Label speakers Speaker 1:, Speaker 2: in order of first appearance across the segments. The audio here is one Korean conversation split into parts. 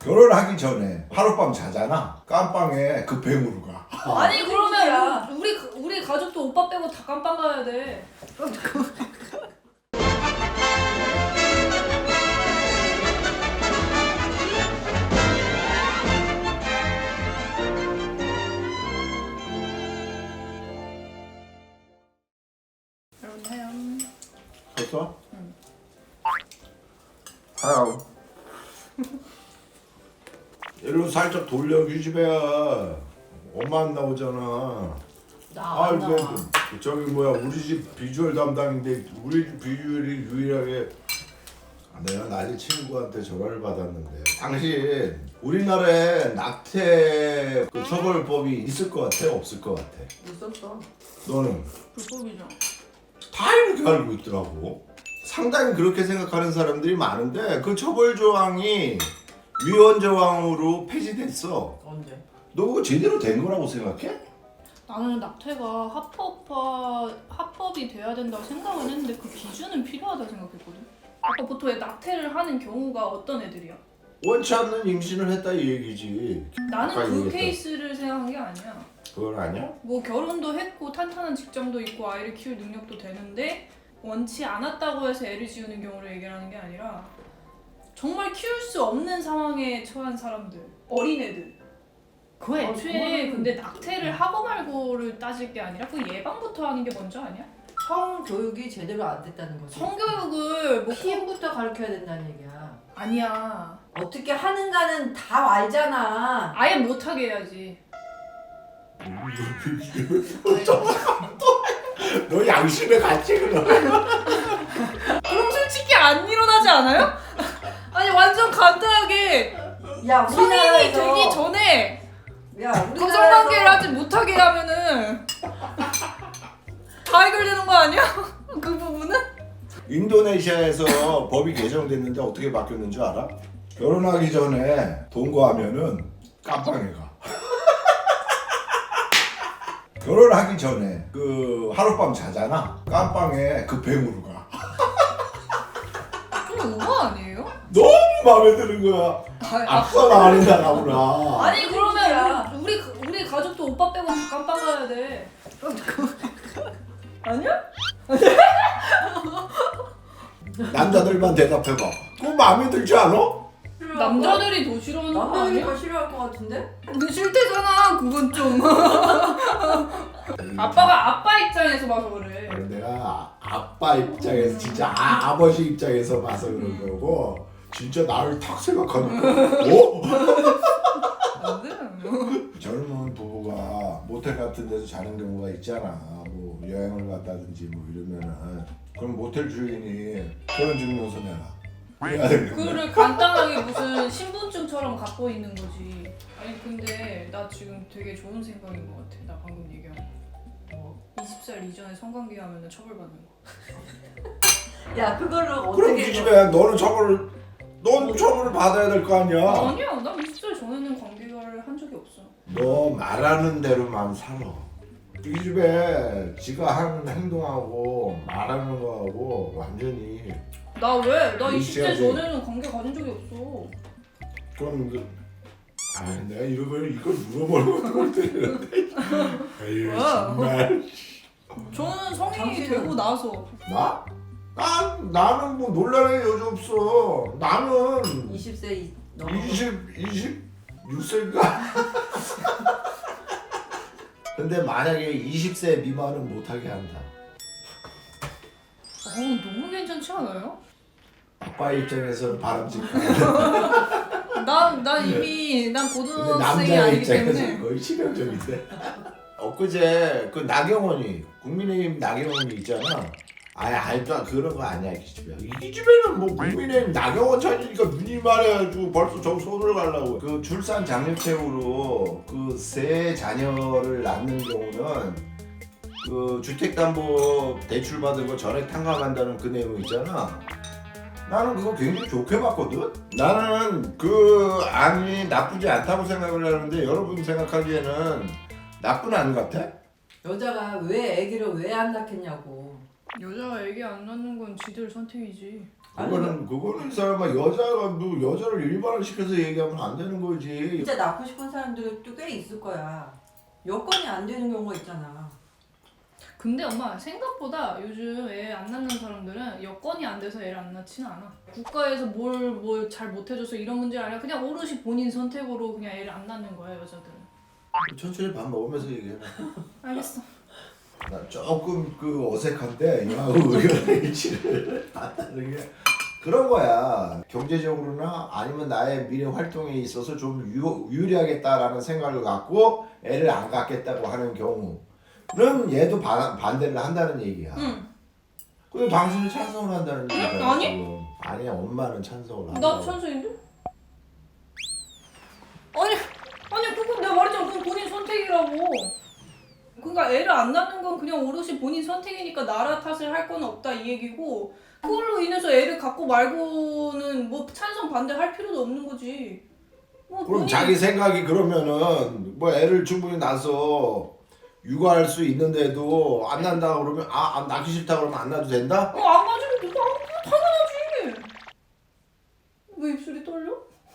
Speaker 1: 결혼하기 전에 하룻밤 자잖아. 깜빵에 급행으로 가.
Speaker 2: 아니 그러면 우리 가족도 오빠 빼고 다 깜빵 가야 돼. 여러분 하영.
Speaker 1: 됐어?
Speaker 2: 응.
Speaker 1: 하영. 일로 살짝 돌려 규집애야. 엄마 안 나오잖아.
Speaker 2: 나 안 나와.
Speaker 1: 저기 뭐야 우리 집 비주얼 담당인데 우리 집 비주얼이 유일하게 내가 낮에 친구한테 전화를 받았는데 당신 우리나라에 낙태 그 처벌법이 있을 것 같아? 없을 것 같아?
Speaker 3: 있었어.
Speaker 1: 너는?
Speaker 2: 불법이죠.
Speaker 1: 다 이렇게 알고 있더라고. 상당히 그렇게 생각하는 사람들이 많은데 그 처벌 조항이 위헌 조항으로 폐지됐어.
Speaker 3: 언제?
Speaker 1: 너 그거 제대로 된 거라고 생각해?
Speaker 2: 나는 낙태가 합법이 돼야 된다고 생각은 했는데 그 기준은 필요하다고 생각했거든. 아까 보통 낙태를 하는 경우가 어떤 애들이야?
Speaker 1: 원치 않는 임신을 했다 이 얘기지.
Speaker 2: 나는
Speaker 1: 아까
Speaker 2: 그
Speaker 1: 얘기했던.
Speaker 2: 케이스를 생각한 게 아니야.
Speaker 1: 그건 아니야?
Speaker 2: 뭐 결혼도 했고 탄탄한 직장도 있고 아이를 키울 능력도 되는데 원치 않았다고 해서 애를 지우는 경우를 얘기하는 게 아니라 정말 키울 수 없는 상황에 처한 사람들, 어린애들. 그 애초에 근데 낙태를 하고 말고를 따질 게 아니라 그 예방부터 하는 게 먼저 아니야?
Speaker 3: 성교육이 제대로 안 됐다는 거지.
Speaker 2: 성교육을 뭐
Speaker 3: 피임부터 가르쳐야 된다는 얘기야.
Speaker 2: 아니야.
Speaker 3: 어떻게 하는가는 다 알잖아.
Speaker 2: 아예 못하게 해야지.
Speaker 1: 너 양심에 같이 그러.
Speaker 2: 그럼 솔직히 안 일어나지 않아요? 아니 완전 간단하게
Speaker 3: 야,
Speaker 2: 성인이 되기 전에
Speaker 3: 야,
Speaker 2: 성관계를 하지 못하게 하면은 다 해결되는 거 아니야? 그 부분은?
Speaker 1: 인도네시아에서 법이 개정됐는데 어떻게 바뀌었는 줄 알아? 결혼하기 전에 동거하면은 깜빵에 가. 결혼하기 전에 그 하룻밤 자잖아. 깜빵에 급행으로 가.
Speaker 2: 좀 오버 아니에요?
Speaker 1: 너무 마음에 드는 거야. 앞서나 안 나가구나.
Speaker 2: 아니 그러면 우리 가족도 오빠 빼고 다 깜빵 가야 돼. 아니야?
Speaker 1: 남자들만 대답해봐. 그거 마음에 들지 않아?
Speaker 2: 남자들이 더 싫어하는 거 아니야?
Speaker 3: 남자들이 싫어할 것 같은데?
Speaker 2: 근데 싫대잖아 그건 좀. 아빠가 아빠 입장에서 봐서 그래.
Speaker 1: 내가 아빠 입장에서 진짜 아버지 입장에서 봐서 그런 거고 진짜 나를 탁 생각하니까 어? 젊은 부부가 모텔 같은 데서 자는 경우가 있잖아. 뭐 여행을 갔다든지 뭐 이러면은 그럼 모텔 주인이 결혼증명서 내라. 해야 되는 거야.
Speaker 2: 그거를 간단하게 무슨 신분증처럼 갖고 있는 거지. 아니 근데 나 지금 되게 좋은 생각인 것 같아. 나 방금 얘기한 거. 20살 이전에 성관계 하면 처벌받는 거.
Speaker 3: 야, 그걸로
Speaker 1: 그럼
Speaker 3: 어떻게
Speaker 1: 이 집에 넌 처벌을 받아야 될 거 아니야.
Speaker 2: 아니야. 난 20살 전에는 관계를 한 적이 없어.
Speaker 1: 너 말하는 대로만 살아. 이 집에 지가 하는 행동하고 말하는 거하고 완전히
Speaker 2: 나 왜? 나 20대
Speaker 1: 일치하지.
Speaker 2: 전에는 관계 가진 적이 없어.
Speaker 1: 그럼 내가 이걸 물어보는 것같은데 아유
Speaker 2: 뭐야?
Speaker 1: 정말.
Speaker 2: 저는 성인이
Speaker 3: 당신은-
Speaker 2: 되고 나서
Speaker 1: 나? 나는 뭐 논란의 여지 없어. 나는
Speaker 3: 20세 넘어.
Speaker 1: 26세인가? 근데 만약에 20세 미만은 못하게 한다.
Speaker 2: 너무 괜찮지 않아요?
Speaker 1: 아빠 입장에서는 바람직하다.
Speaker 2: 난 이미 난
Speaker 1: 근데
Speaker 2: 고등학생이
Speaker 1: 남자
Speaker 2: 아니기
Speaker 1: 입장에서는
Speaker 2: 때문에
Speaker 1: 거의 치명적인데. 엊그제 그 나경원이 국민의힘 나경원이 있잖아. 알도 그런 거 아니야 이 집에. 이 집에는 뭐 국민의힘 나경원 찾으니까 눈이 말해가지고 벌써 저 손을 가려고. 그 출산 장려채우로 그 세 자녀를 낳는 경우는 그 주택담보 대출 받은 거 전액 탕감한다는 그 내용 있잖아. 나는 그거 굉장히 좋게 봤거든. 나는 그 안이 나쁘지 않다고 생각을 하는데 여러분 생각하기에는 나쁜 안 같아?
Speaker 3: 여자가 왜 아기를 왜 안 낳겠냐고.
Speaker 2: 여자가 애기 안 낳는 건 지들 선택이지.
Speaker 1: 그거는 이 사람아 여자가 뭐 여자를 일반화시켜서 얘기하면 안 되는 거지.
Speaker 3: 진짜 낳고 싶은 사람들도 꽤 있을 거야. 여건이 안 되는 경우가 있잖아.
Speaker 2: 근데 엄마 생각보다 요즘 애 안 낳는 사람들은 여건이 안 돼서 애를 안 낳지는 않아. 국가에서 뭘 잘 못해줘서 이런 문제 아니라 그냥 오롯이 본인 선택으로 그냥 애를 안 낳는 거야 여자들은.
Speaker 1: 천천히 밥 먹으면서 얘기해.
Speaker 2: 알겠어.
Speaker 1: 나 조금 그 어색한데 이하고 의견의 일치를 봤다는 게 그런 거야. 경제적으로나 아니면 나의 미래 활동에 있어서 좀 유리하겠다라는 생각을 갖고 애를 안 갖겠다고 하는 경우는 얘도 반대를 한다는 얘기야.
Speaker 2: 응.
Speaker 1: 근데 당신은 찬성을 한다는 얘기야.
Speaker 2: 아니?
Speaker 1: 지금. 아니야, 엄마는 찬성을 한다.
Speaker 2: 나 찬성인데? 아니 그건 내가 말했잖아. 그건 본인 선택이라고. 그러니까 애를 안 낳는 건 그냥 오롯이 본인 선택이니까 나라 탓을 할 건 없다 이 얘기고 그걸로 인해서 애를 갖고 말고는 뭐 찬성 반대할 필요도 없는 거지. 뭐
Speaker 1: 그럼 자기 생각이 그러면은 뭐 애를 충분히 낳아서 육아할 수 있는데도 안 난다 그러면 낳기 싫다 그러면 안 낳아도 된다?
Speaker 2: 안 가지면 누가 당연하지. 왜 입술이 떨려?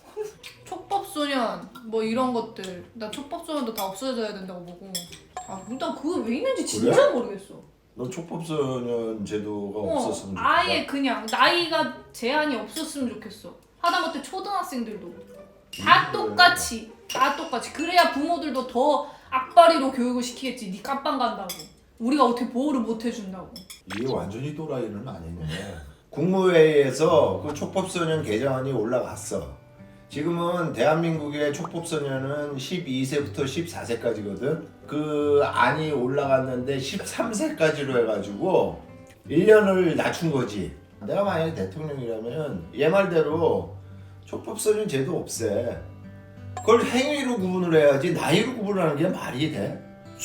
Speaker 2: 촉법소년 뭐 이런 것들 나 촉법소년도 다 없어져야 된다고 보고 일단 그거 왜 있는지 진짜
Speaker 1: 그래?
Speaker 2: 모르겠어.
Speaker 1: 너 촉법소년 제도가 없었으면 좋겠다.
Speaker 2: 아예 그냥 나이가 제한이 없었으면 좋겠어. 하다못해 초등학생들도 다 똑같이 그래야 부모들도 더 악바리로 교육을 시키겠지. 니 깜빵 간다고 우리가 어떻게 보호를 못 해준다고.
Speaker 1: 이게 완전히 또라이는 아니네. 국무회의에서 그 촉법소년 개정안이 올라갔어. 지금은 대한민국의 촉법소년은 12세부터 14세까지거든. 그 안이 올라갔는데 13세까지로 해가지고 1년을 낮춘 거지. 내가 만약에 대통령이라면 얘 말대로 촉법소년 제도 없애. 그걸 행위로 구분을 해야지 나이로 구분하는 게 말이 돼?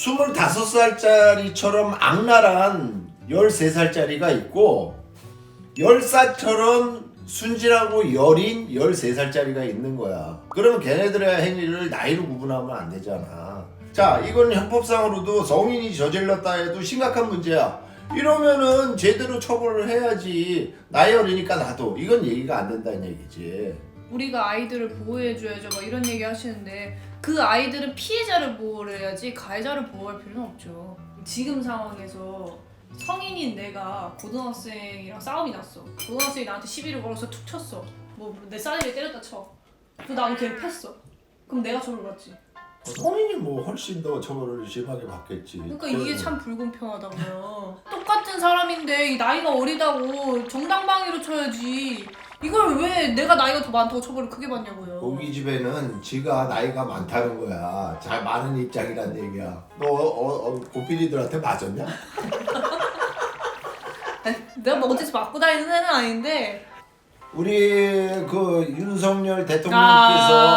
Speaker 1: 25살짜리처럼 악랄한 13살짜리가 있고 10살처럼 순진하고 여린 13살짜리가 있는 거야. 그러면 걔네들의 행위를 나이로 구분하면 안 되잖아. 자, 이건 형법상으로도 성인이 저질렀다 해도 심각한 문제야. 이러면은 제대로 처벌을 해야지. 나이 어리니까 나도. 이건 얘기가 안 된다는 얘기지.
Speaker 2: 우리가 아이들을 보호해줘야죠 막 이런 얘기 하시는데 그 아이들은 피해자를 보호를 해야지 가해자를 보호할 필요는 없죠. 지금 상황에서 성인인 내가 고등학생이랑 싸움이 났어. 고등학생이 나한테 시비를 걸어서 툭 쳤어. 뭐 내 싸대기를 때렸다 쳐. 그래서 나도 걔를 팼어. 그럼 내가 처벌 받지.
Speaker 1: 성인이 뭐 훨씬 더 처벌을 심하게 받겠지.
Speaker 2: 그러니까 이게 참 불공평하다고요. 똑같은 사람인데 이 나이가 어리다고 정당방위로 쳐야지. 이걸 왜 내가 나이가 더 많다고 처벌을 크게 받냐고요.
Speaker 1: 고기 집에는 지가 나이가 많다는 거야. 잘 많은 입장이란 얘기야. 너 고필이들한테 맞았냐?
Speaker 2: 내가 뭐 어디서 맞고 다니는 애는 아닌데.
Speaker 1: 우리 그 윤석열 대통령께서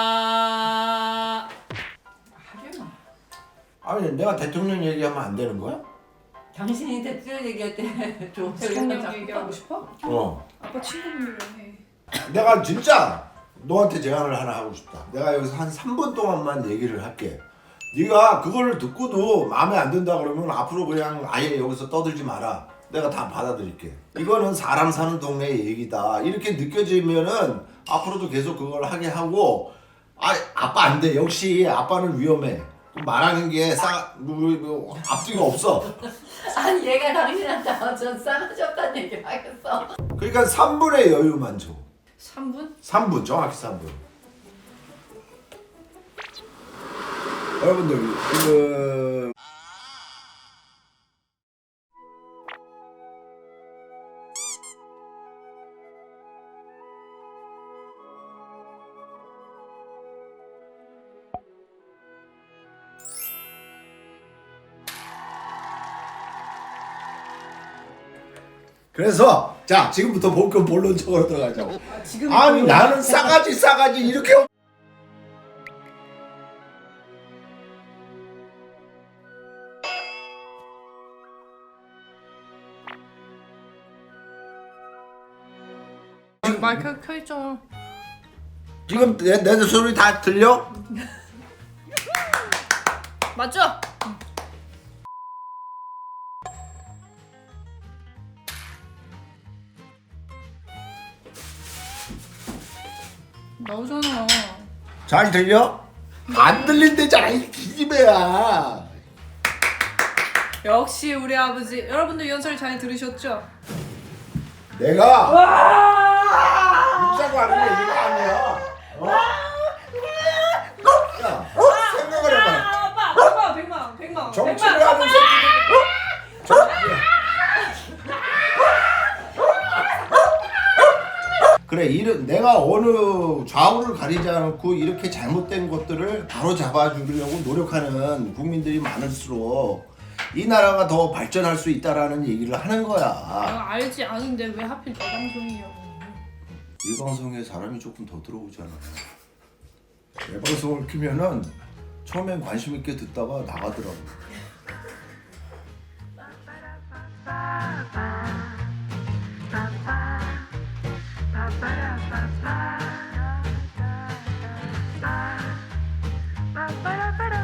Speaker 3: 하지 마.
Speaker 1: 아니 내가 대통령 얘기하면 안 되는 거야?
Speaker 3: 당신이 대통령 얘기할 때 좀
Speaker 2: 대통령 얘기하고 싶어?
Speaker 1: 어.
Speaker 2: 아빠 친구분들이랑 해.
Speaker 1: 내가 진짜 너한테 제안을 하나 하고 싶다. 내가 여기서 한 3분 동안만 얘기를 할게. 네가 그걸 듣고도 마음에 안 든다 그러면 앞으로 그냥 아예 여기서 떠들지 마라. 내가 다 받아들일게. 이거는 사람 사는 동네의 얘기다. 이렇게 느껴지면은 앞으로도 계속 그걸 하게 하고 아빠 안 돼. 역시 아빠는 위험해. 말하는 게 앞뒤가 없어.
Speaker 3: 아니 얘가 당신한테 완전 싸가지 없다는 얘기를 하겠어.
Speaker 1: 그러니까 3분의 여유만 줘.
Speaker 2: 3분?
Speaker 1: 3분 정확히 3분. 여러분들 그 그래서 자 지금부터 본론적으로 들어가자고.
Speaker 2: 지금
Speaker 1: 아니 나는 싸가지 이렇게
Speaker 2: 마이크 켜있잖아.
Speaker 1: 지금 내 소리 다 들려?
Speaker 2: 맞죠? 나오잖아.
Speaker 1: 잘 들려? 안 들린대잖아 이 기집애야.
Speaker 2: 역시 우리 아버지. 여러분들 연설 잘 들으셨죠?
Speaker 1: 내가 웃자고 하는 게 이거 아니야. 야, 생각을 해봐.
Speaker 2: 아빠 100만 원.
Speaker 1: 정치를 하는 새끼들. 그래, 내가 어느 좌우를 가리지 않고 이렇게 잘못된 것들을 바로 잡아주려고 노력하는 국민들이 많을수록 이 나라가 더 발전할 수 있다라는 얘기를 하는 거야.
Speaker 2: 내가 알지 아는데 왜 하필 내 방송이냐고.
Speaker 1: 이 방송에 사람이 조금 더 들어오잖아. 내 방송을 키면은 처음엔 관심 있게 듣다가 나가더라고.
Speaker 4: Ba-ba-da-ba-da